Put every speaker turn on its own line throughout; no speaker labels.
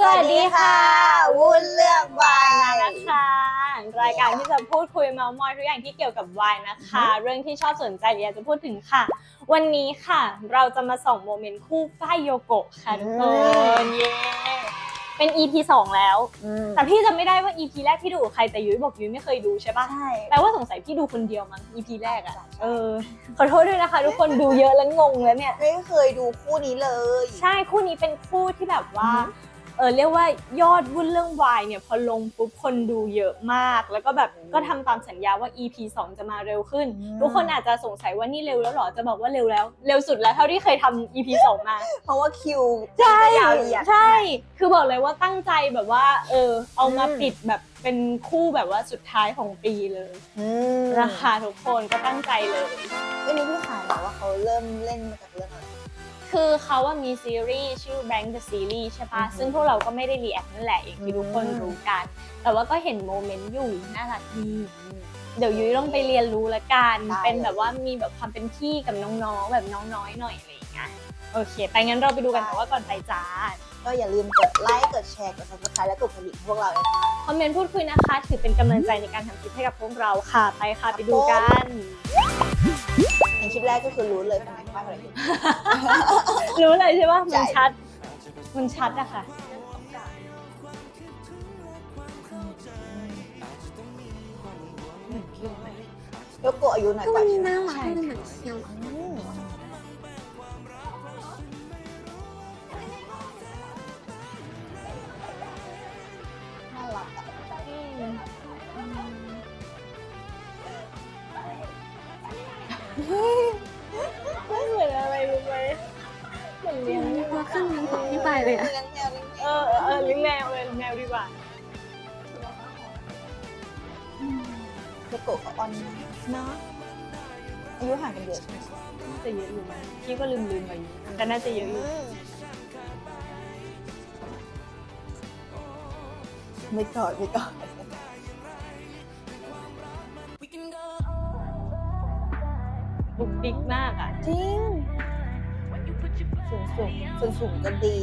วัสดีค่ะวุ้นเลือกวาย
นะคะรายการที่จะพูดคุยเมาท์มอยทุกอย่างที่เกี่ยวกับวายนะคะ เรื่องที่ชอบสนใจอยากจะพูดถึงค่ะวันนี้ค่ะเราจะมาส่องโมเมนต์คู่ฝ้ายโยโกะค่ะทุกคนเย้เป็น EP 2 แล้วแต่พี่จำไม่ได้ว่า EP แรกพี่ดูกับใครแต่ยุ้ยบอกยุ้ยไม่เคยดูใช่ปะ
ใช่
แปลว่าสงสัยพี่ดูคนเดียวมั้ง EP แรกอะขอโทษด้วยนะคะทุกคนดูเยอะแล้วงงแล้วเนี่ย
ไม่เคยดูคู่นี้เลย
ใช่คู่นี้เป็นคู่ที่แบบว่าเรียกว่ายอดวุ่นเรื่องวายเนี่ยพอลงปุ๊บคนดูเยอะมากแล้วก็แบบก็ทำตามสัญญาว่า EP 2 จะมาเร็วขึ้นทุกคนอาจจะสงสัยว่านี่เร็วแล้วหรอจะบอกว่าเร็วแล้วเร็วสุดแล้วเท่าที่เคยทำ EP 2 มา
เพราะว่าคิว
ใช่
ยาวเหยียด
ใช่คือบอกเลยว่าตั้งใจแบบว่าเอามาปิดแบบเป็นคู่แบบว่าสุดท้ายของปีเลยนะคะทุกคนก็ตั้งใจเลย
วันนี้พี่ขายบอกว่าเขาเริ่มเล่นมาจากเรื่องอะไร
คือเขาว่ามีซีรีส์ชื่อ Bank the Series ใช่ปะซึ่งพวกเราก็ไม่ได้รีแอคนั่นแหละอย่างที่ทุกคนรู้กันแต่ว่าก็เห็นโมเมนต์อยู่น่ารักดีเดี๋ยวยุ้ยต้องไปเรียนรู้ละกันเป็นแบบว่ามีแบบความเป็นพี่กับน้องๆแบบน้องน้อยหน่อยอะไรอย่างเงี้ยโอเคไปงั้นเราไปดูกันแต่ว่าก่อนไปจ้า
ก็อย่าลืมกดไลค์กดแชร์กด Subscribe และกดกระดิ่งพวกเราเลยนะคะ
คอมเมนต์พูดคุยนะคะถือเป็นกำลังใจในการทำคลิปให้กับพวกเราค่ะไปค่ะไปดูกัน
ในคลิปแรกก็คือรู้เลยทำไมพลาดอะไรขึ้น
รู้เลยใช่ปะมันชัดอะค่ะ
โยโกะอายุหน่อยกว่าใช่ไหม
น่ารักเลยเหมือนเคียว
น่ารักอ่ะ
ไม่เหมือนอะไรรู้ไหมเหมือนเลี้ยง
ตัวขึ้นมันของพี่ไปเลยอะ
เลี้ยงแมว
เลี้ยงแมวเลยแมวดีกว่า
โยโกะกับออนเนาะอายุห่างกันเยอะใช่ไหม
น่าจะเยอะอยู่มั้ยพี่ก็ลืมไปอยู่แต่น่าจะเยอะอยู่
ไม่กอด
บุกดิกมากอ่ะ
จริงสูงก็ดี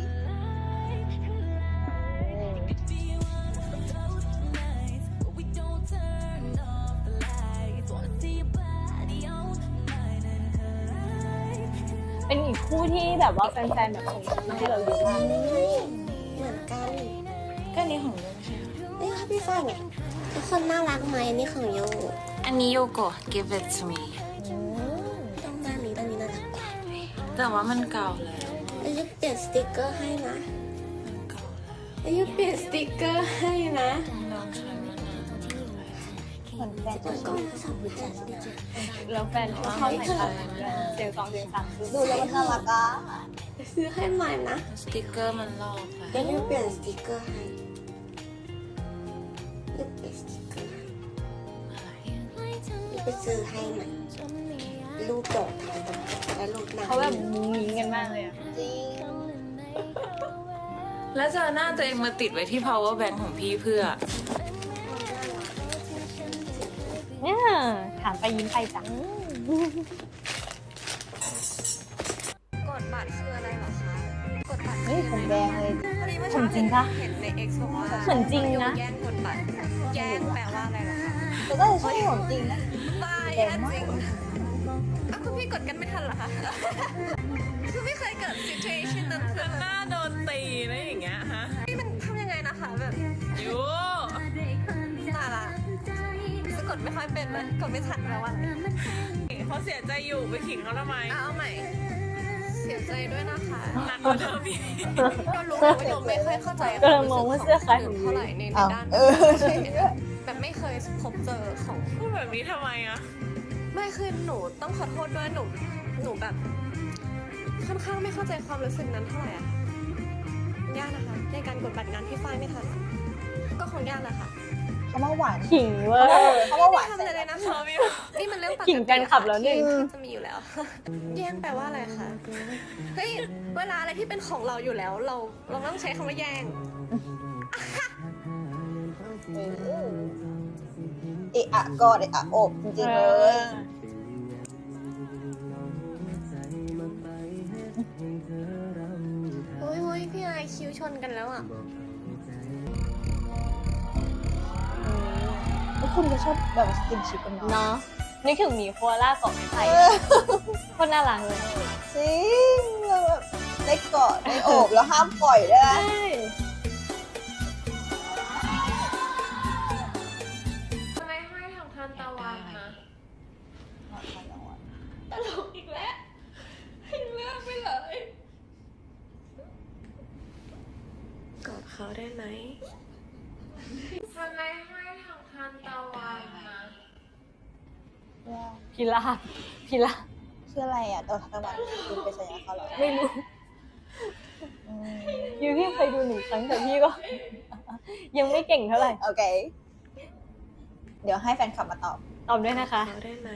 เป็นอีกคู่ที่แบบว่าแฟนๆแบบส่งมาให้เราเยอะมาก
เหมือนกัน
ก็นี้ของเราใช่ไหม
นี่ค่ะพี่ฝ้ายเนี่ยทุกคนน่ารักไหมนี่ของโย
อันนี้โยโกะ give it to me
ด้านนี้น่ารัก
แต่ว่ามันเก่าแล้ว
แล้วยุเปลี่ยนสติกเกอร์ให้นะ
มันเก่าแล้ว
แล้วยุเปลี่ยนสติกเกอร์ให้นะ
ลองใช้มันนาน
เหมือนแฟน
แล้วก็ชอบผู้ชาย
แล้วแฟนเขาชอบใส่ตาเสียง2เสียง3
ดูแล้วมันน่ารักอ่ะ
ซื้อให้ใหม่นะ
สติกเกอร์มันลอกไป
แล้วยุเปลี่ยนสติกเกอร์ให้ยุเปลี่ยนสติกเกอร์ให้
อะไร
ยุไปซื้อให้ใหม่รูปดอกทานและรูปหน้า
เขาแบบมุ้งมิ้งกันมากเลยอ่ะ
จริง
แล้วจะเอาหน้าตัวเองมาติดไว้ที่ power bank ของพี่เพื่อ
เนี่ยถามไปยิ้มไปจ้ะ
กดบัตรคืออะไรเหรอคะ กดบัตร
เฮ้ยผมแดงเลย
พอดีเมื่อ
ผม
เช้า
จริงปะ
เห็นใน X บอกว่า
เหมือนจริงนะ
แย่งกดบัตร แย่งแปลว่าอะไรเหรอคะ
แต่ก็ใช่ของจริงนะ
บ้าแย่งจริงอ้าวคุณพี่กดกันไม่ทันเหรอคะ คือไม่เคยเกิด situation นั้นคือ
หน้าโดนตีอะไรอย่างเงี้ยฮะ
นี่มันทำยังไงนะคะแบบ
ยู
ตายละจะกดไม่ค่อยเป็นเลยกดไม่ทันแปลว่าอะไร
เขาเสียใจอยู่ไปขิงเขาทำไม
เอาใหม่ เสียใจด้วยนะคะ
หนักกว่าเดิมอีก
ก็รู้ว่าโยมไม่ค่อยเข้าใจ
ก็เลยมองว่าเสื้อคล้ายของ
เท่าไหร่ใน
อ้าว
ด้าน
ใช่
แบบไม่เคยพบเจอของ
พูดแบบนี้ทำไมอะ
ไม่คือหนูต้องขอโทษด้วยหนูแบบค่อนข้างไม่เข้าใจความรู้สึกนั้นเท่าไหร่อะยากนะคะในการกดบัตรงานที่ฝ้ายไม่ทันก็คงยากนะคะ
เขามาหวาน
ขิงเว้ย
เขามาหวาน
ทำอะไรเลยนะคะนี่มันเรื่องปกติ
ขิงกันขับแล้วหนึ่ง
ที่จะมีอยู่แล้ว แย่งแปลว่าอะไรคะเฮ้ยเวลาอะไรที่เป็นของเราอยู่แล้ว เราต้องใช้คำว่าแย่ง
เอะอะกอดเอะอะโอบจริงๆเลย
โอ้ยพี่ไอคิวชนกันแล้วอ่ะ
แล้วคุณก็ชอบแบบสกินชิปกันเนาะ
เนาะนึกถึงหมีโคอาล่าเกาะไม้ไผ่โคนน่ารักเลย
จริงแบบได้กอดได้โอบแล้วห้ามปล่อยด้วยนะ
ใช่
ทำไมให้ทางทานตะวันนะตลกอีกแล้วให้เลือกไปเลยกอดเขาได้ไหมทำไมให้ทางทานตะวันนะ
พิราบพิราบ
ชื่ออะไรอ่ะตัวทัตวันคุณไปสัญญาเขาเหรอ
ไม่รู้
อืม
ยูพี่เคยดู1 ครั้งแต่พี่ก็ ยังไม่เก่งเท่าไหร่
โอเค เดี๋ยวให้แฟนคลับมาตอบ
ตอบด้วยนะคะ
เขาได้ไหม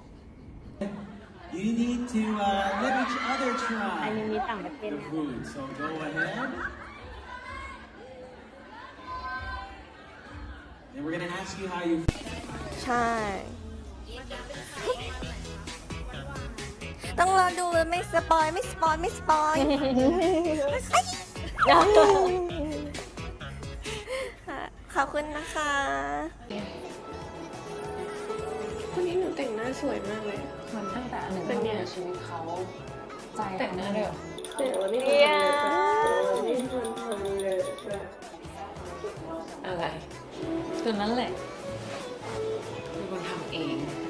You need to let each other
อัน
try
นี้มีต่างประเทศ
the
นะ
food. So go ahead. And we're gonna ask you how you
ใช่ ต้องรอดูไม่สปอยไม่สปอยไม่สปอย ขอบคุณนะคะวันนี้หนูแต่งหน้าสวยมากเลย
มันตั้งแต่อันหนึ่ง
เป็นไง
ในชีวิตเขาใจแต่งหน้าเลยเหรอ
แต่วันนี้
เนี่ย
อะไรคือนั่นแหละเป็นคนทำเอง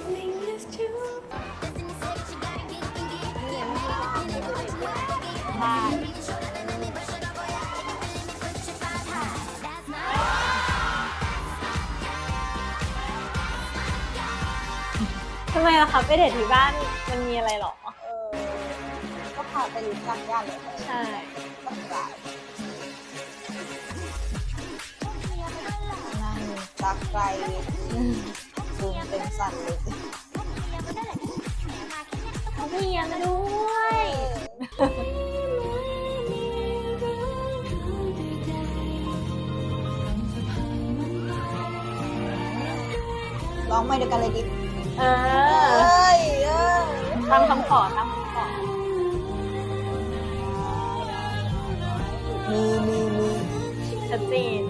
ทำไมล่ะคะไปเดทที่บ้านมันมีอะไรหรอ
ก็พาไปรู้จักญาติเลย
ใช่
ก็กลายนั่งรักไกลซูมเป็นสั่นเลยสิ
เขาเรียนด้วย
ร้องไม่เดียวกันเลยดิ
เอ
เอ้
อย ตามคำขอตามคำขอ
มี
ชัดเจน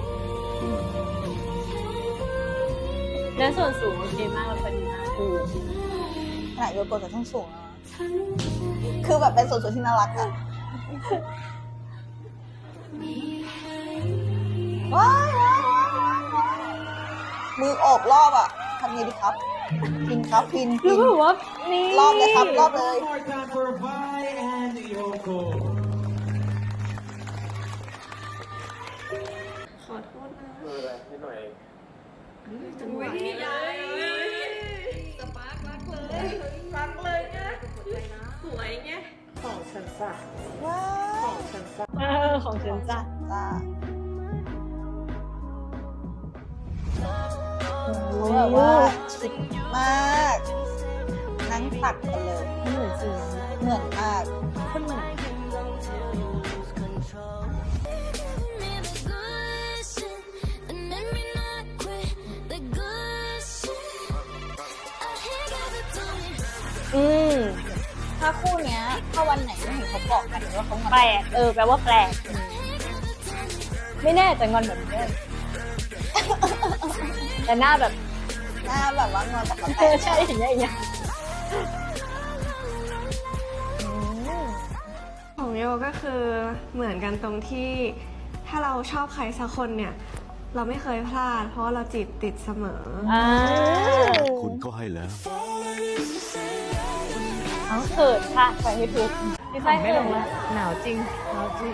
แล้วส่วนสูงโอเคมากแล้วพอดีมาก
ขนาดโยโกะจะต้องสูงแล้วนะคือแบบเป็นส่วนที่น่ารักอะว้ายมือโอบรอบอะทำไงดีครับ พินครับพิน
คือแบบว่านี่
รอบเลยครับรอบเลย
one more time for Vi and Yoko.
ขอโทษนะ
นิดหน่อย
จังหวะนี้สปาร์ครักเลยรักเลยนะสวยไง
ของฉันจ้ะ
ว้า
ข
ว
องฉันจ้ะ
ของฉันจ้ะ
จ้าโอ้แบบว่าชิคมาก นั่งตักกันเลย
ไม่เหมือนจริง
เหมือนมาก
คนเหมือน อืม
ถ้าคู่เนี้ย ถ้าวันไหนไม่เห็นเขาบอกกันหรือว่าเขางอน
แปลกแปลว่าแปลก ไม่แน่แต่งอนแบบนี้แต่หน้าแบบ
หน้าแบบว่างอนแต่ก็แตก
ใช่อย่างเงี้ยอย่างเงี้ย
ของโยก็คือเหมือนกันตรงที่ถ้าเราชอบใครสักคนเนี่ย เราไม่เคยพลาด เพราะว่าเราจีบติดเสมอ
คุณก็ให้แล้ว
เอาเขินค่ะไปให้ถูกพี่ฝ้าย
ไม่
เขิ
ล
น
ง
ละ
ละหนาวจริงหนาวจริง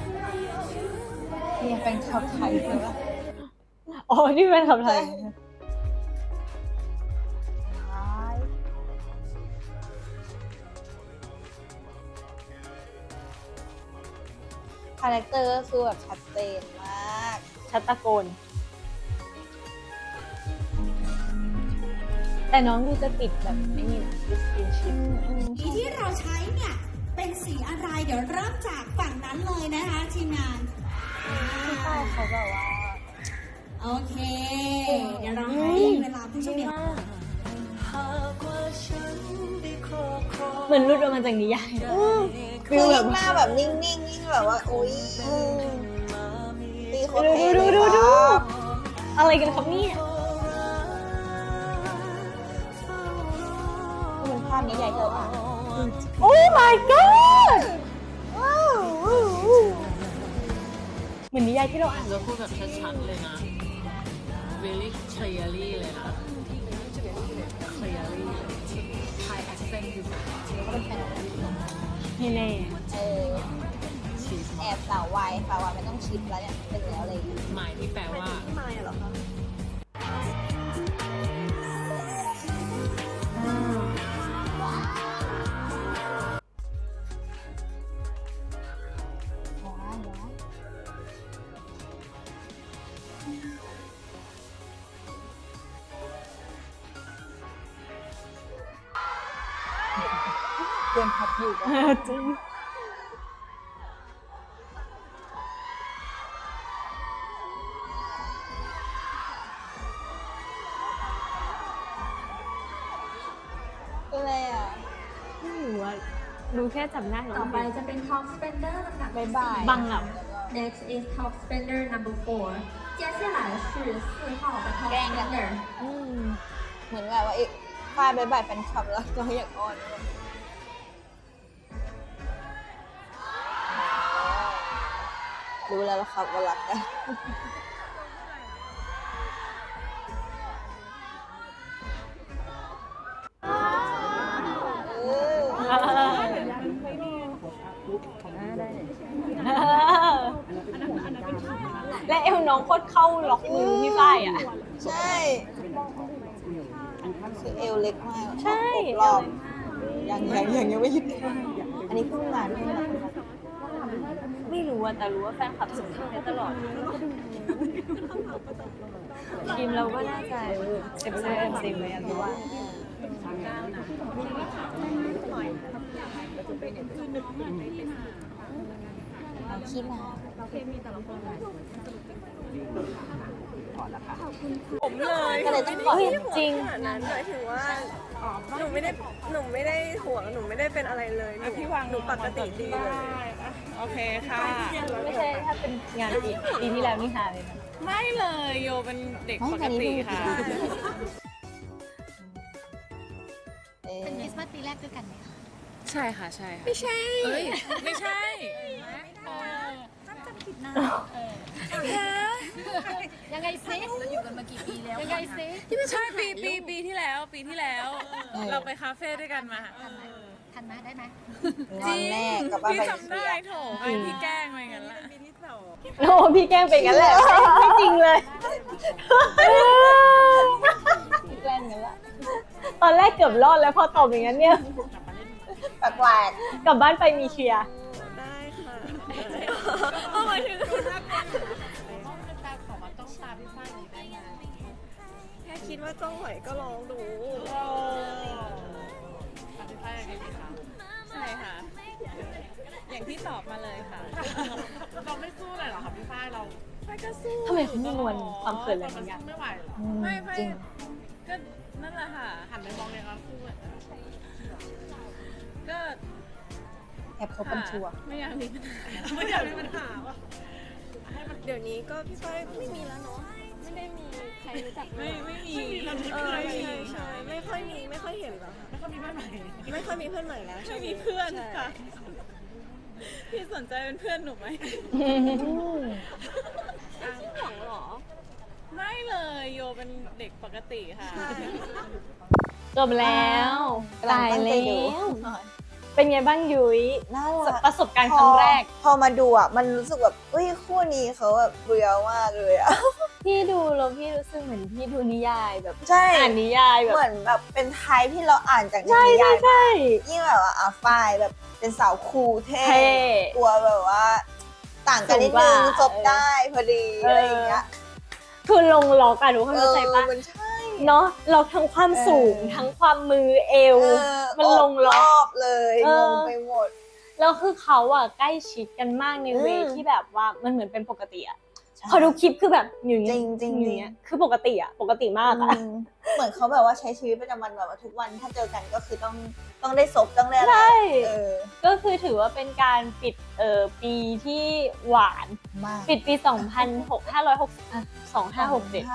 เนี่ยเป็นชาวไทยใช่ปะ
อ๋อ นี่เป็นคำไทย
คาแรคเตอร์ก็คือแบบชัดเจนมาก
ชัดตะโกน แต่น้องดูจะติดแบบไม่นี่นะดิสกินชิพ
สีที่เราใช้เนี่ย เป็นสีอะไรเดี๋ยวเริ่มจากฝั่งนั้นเลยนะคะทีมงาน
พี่ฝ้ายเขาแบบว่า
โอเค เดี๋ยวเราให้เวลาผู้ชมเนี่ย
เหมือนรุดออกมาจากนิยาย
คือยิ่งหน้าแบบนิ่งๆยิ่งแบบว่าอุ้ยตีโคตร
ดู
เท่
ดู
เลย
ดูดู
ครับ
อะไรกันครับเนี่ย
มันภาพนี้ใหญ่เท่าอ่ะ
โอ้ my god
ว้าว
เหมือนนิยายที่เราอ่าน
จะพูดแบบชัดๆเลยนะ very clearly เลยนะ clearly Thai accent อยู่
ไม่แน่
ชีส
แอบสาววายไม่ต้องชิปแล้วเนี่ยเป็นแล้วอะไรอย่างเงี้ย
หมายที่แปลว่า
พี่มายเหรอคะ
เตรียมพับอยู่ปะ
จริง
เป็นไรอ่ะ
ไม่รู้ว่าดูแค่จำได้เหรอ
ต่อไปจะเป็น Top Spender ลำดับ
บ๊ายบาย
บังอ่ะ
Next is Top Spender number 4接下来是4号的 Top Spender
อืม
เหมือนแบบว่าอีกฝ้ายบายบายแฟนคลับแล้วก็อยากอ้อนรู้แล้วล่ะครับว่ารักกัน
และเอวน้องโคตรเข้าล็อกมือพี่ฝ้ายอ่ะ
ใช่คือเอวเล็กมาก
ใช่
รอบยังไม่หยุดอันนี้เพิ่งมาด้วยนะ
ไม่รู้อะแต่รู้ว่าแฟนคลับส่งให้ตลอด ทีมเราก็น่าจะเซ็มเลยอะเพราะว่า
ขี้มา
ผมเลย
ก็เลยต้องปล่อย
จริง
ขนาดนั้นหมายถึงว่าหนูไม่ได้ห่วงหนูไม่ได้เป็นอะไรเลยหนูปกติดีเลย
โอเคค่ะ
ไม่ใช่ถ้าเป็นงานปีที่แล้วนี่หาเลยนะ
ไม่เลยโยเป็นเด็กปกติค่ะ
เป็นคริสต์มาสปีแรกด้วยกันไหมคะ
ใช่ค่ะใช่ค่ะ ไม่ใช่เอ้ยไม่ใช่
ยังไงซิเราอยู่กันมากี่ปีแล้วยังไงซิ
ใช่ปีที่แล้วเราไปคาเฟ่ด้วยกันมา
ทันไหมได้ไหม
งอนแน่กลับบ้าน
พี่
ไป
จำได้โถไอพี่แกล้งไปงั้นแหละ
โอ้พี่แกล้งไปงั้นแหละ ไม่จริงเลยพี่แกล้งงั้นละตอนแรกเกือบรอดแล้วพอตอบอย่างนั้นเนี่ย
แปลก
กลับบ้านไปมีเคลียร์
ได้ค่ะเอาหมายถึงแค่คิดว่าจ้องไหวก็ลองดู
ใช่ค่ะ อย่างที่ตอบมาเลยค่ะ เราไม่สู้เลยเหรอคะพี่ฝ้ายเราไม่ก็สู้
ทำไมเขามีมวลความเขินอะไรบางอย่าง
ไม่ไหวหรอ
ๆ
ไม่
จริง
ก็นั่นแหละค่ะ หันไปมองเลยว่าคู่อะก็
แอบคบกันชัวร์
ไม่อยากมีปัญหาไม่อยากมีปัญหาว่ะ
เดี๋ยวนี้ก็พี่ฝ้ายไม่มีแล้วเนาะไม่ได้มีใครรู้จัก
ไม่มี
ใช่ไม่ค่อยเห็นแล้วค่ะ
แล้วก็มีเพื่อนใหม่
ไม่ค่อยมีเพื่อนใหม่แล้ว
ไม่มีเพื่อน
ใช่
ค่ะ พี่สนใจเป็นเพื่อนหนูไหม
ห่วงเหรอ
ไม่เลยโยเป็นเด็กปกติค่ะ
จบแล้ว
กำลัง
ตาย
ตั้งใจ
แล้
ดู
ว เป็นไงบ้างยุ้ย
น่ารัก
ประสบการณ์ครั้งแรก
พอมาดูอ่ะ มันรู้สึกแบบอุ้ยคู่นี้เขาแบบเรียวมากเลยอ่ะ
พี่ดูแล้วพี่รู้สึกเหมือนพี่ดูนิยายแบบ
ใช่
อ่านนิยายแบบ
เหมือนแบบเป็นไทป์ที่เราอ่านจากใน
ใช่
นิยาย
ใช่
ยิ่งแบบว่าฝ้ายแบบเป็นสาวคูลเท่
เท่
ตัวแบบว่า ต่างกันนิดนึง
สูงกว่า
จบได้พอดีอะไรอย่างเงี้ย
คือลงล็อกอะทุกคนเข้าใจปะ
มันใช่
เนาะล็อกทั้งความสูงทั้งความมือเอว มันลงล็
ร
อก
อบเลย
เออ
งงไปหมด
แล้วคือเขาอะใกล้ชิดกันมากในเว
อืม
ที่แบบว่ามันเหมือนเป็นปกติอะพอดูคลิปคือแบบอยู่อย่าง
จ
เงี้
ริ
ย
งจริง
อยู่อย่างเงี้ยคือปกติอะปกติมากอะ
อืมเหมือนเขาแบบว่าใช้ชีวิตประจำวันแบบว่าทุกวันถ้าเจอกันก็คือต้องได้ซบต้องได้อะไร
ใช่
ก็
ก็คือถือว่าเป็นการปิดปีที่หวาน
มาก
ปิดปี 2567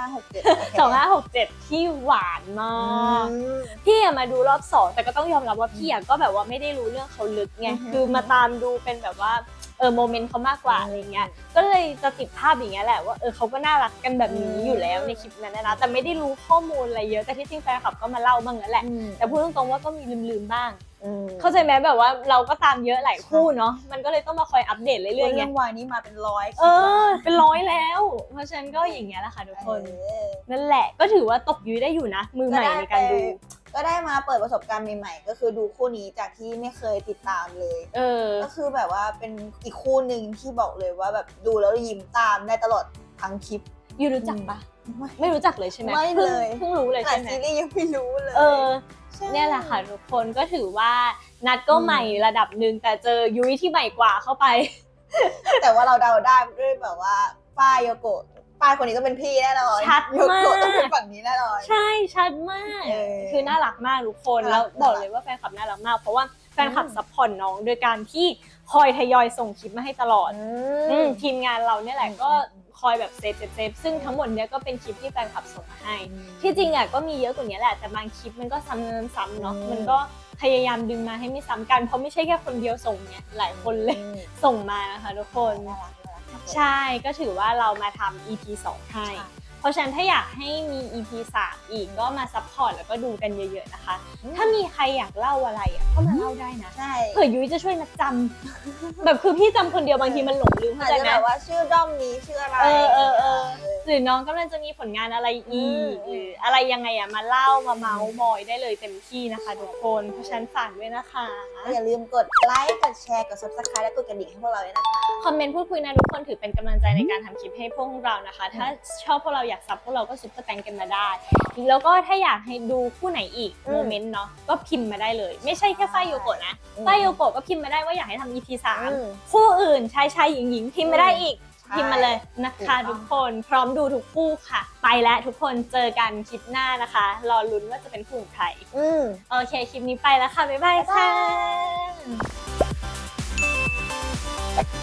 2567
ที่หวานมาก พี่อะมาดูรอบ 2 แต่ก็ต้องยอมรับว่าพี่อะก็แบบว่าไม่ได้รู้เรื่องเขาลึกไง คือมาตามดูเป็นแบบว่าโมเมนต์เขามากกว่าอะไรเงี้ย ก็เลยจะติดภาพอย่างเงี้ยแหละว่าเขาก็น่ารักกันแบบนี้อยู่แล้วในคลิปนั้นนะ แต่ไม่ได้รู้ข้อมูลอะไรเยอะ แต่ที่จริงแฟนคลับก็มาเล่าบ้างนั่นแหละ แต่พูดตรงๆว่าก็มีลืมๆบ้าง เข้าใจไหมแบบว่าเราก็ตามเยอะหลายคู่เนาะ มันก็เลยต้องมาคอยอัปเดตเรื่อยๆไง
เรื่องวายนี้มาเป็นร้อย
เป็นร้อยแล้ว เพราะฉะนั้นก็อย่างเงี้ยแหละค่ะทุกคน นั่นแหละก็ถือว่าตบยุ้ยได้อยู่นะ มือใหม่ในการดู
ก็ได้มาเปิดประสบการณ์ใหม่ๆก็คือดูคู่นี้จากที่ไม่เคยติดตามเลยก็คือแบบว่าเป็นอีกคู่หนึ่งที่บอกเลยว่าแบบดูแล้วยิ้มตามได้ตลอดทั้งคลิป
ยูรู้จักปะไม่รู้จักเลยใช่ไหม
ไม่เลย
เพิ่งรู้เลย
แต่
ใช่ไหม
ซีรีส์ยังไม่รู้เลย
เนี่ยแหละค่ะทุกคนก็ถือว่านัดก็ใหม่ระดับหนึ่งแต่เจอยุ้ยที่ใหม่กว่าเข้าไป
แต่ว่าเราเดาได้ด้วยแบบว่าป้ายโยโกะป้ายคนนี้ต้องเป็นพี่แน่นอน
ชัดมาก
โยโกะต้องเป็นฝั่งนี้แน่นอน
ใช่ชัดมาก คือน่ารักมากทุกคน
น่ารัก
แล้วบอกเลยว่าแฟนคลับน่ารักมากเพราะว่าแฟนคลับซัพพอร์ตน้องโดยการที่คอยทยอยส่งคลิปมาให้ตลอดทีมงานเราเนี่ยแหละก็คอยแบบเซฟซึ่งทั้งหมดเนี้ยก็เป็นคลิปที่แฟนคลับส่งมาให้ที่จริงอ่ะก็มีเยอะกว่านี้แหละแต่บางคลิปมันก็ซ้ำๆเนาะมันก็พยายามดึงมาให้ไม่ซ้ำกันเพราะไม่ใช่แค่คนเดียวส่งเนี่ยหลายคนเลยส่งมานะคะทุกคนใช่ก็ถือว่าเรามาทำ EP 2 ให้เพราะฉะนั้นถ้าอยากให้มี EP 3 อีกก็มาซัพพอร์ตแล้วก็ดูกันเยอะๆนะคะถ้ามีใครอยากเล่าอะไรอ่ะก็มาเล่าได้นะ
ใช่
เผื่อยุ้ยจะช่วยนัดจำ แบบคือพี่จำคนเดียวบางทีมันหลงลืม
อา
เข้า
จ
ใจ
จะ
ไหม
แบบว่าชื่อด้อมนี้ชื่ออะไร
หรือน้องกำลังจะมีผลงานอะไรอีกหรืออะไรยังไงอ่ะมาเล่ามาเมาส์มอยได้เลยเต็มที่นะคะทุกคนเพราะฉะนั้นฝากด้วยนะคะ
อย่าลืมกดไลค์กดแชร์กด subscribe และกดกระดิ่งให้พวกเราด้วยนะคะ
คอมเมนต์พูดคุยนะทุกคนถือเป็นกำลังใจในการทำคลิปให้พวกเรานะคะ ถ้าชอบพวกเราอยากซับพวกเราก็ซุปเปอร์แตงกันมาได้แล้วก็ถ้าอยากให้ดูคู่ไหนอีกโมเมนต์เนาะก็พิมพ์มาได้เลยไม่ใช่แค่ฝ้ายโยโกะนะฝ้ายโยโกะก็พิมพ์มาได้ว่าอยากให้ทำ EP 3คู่อื่นชายหญิงพิมพ์มาได้อีกพิมพ์มาเลยนะคะทุกคนพร้อมดูทุกคู่ค่ะ ไปแล้วทุกคนเจอกันคลิปหน้านะคะรอลุ้นว่าจะเป็นคู่ของใครโอเคคลิปนี้ไปแล้วค่ะบ๊ายบายค่ะ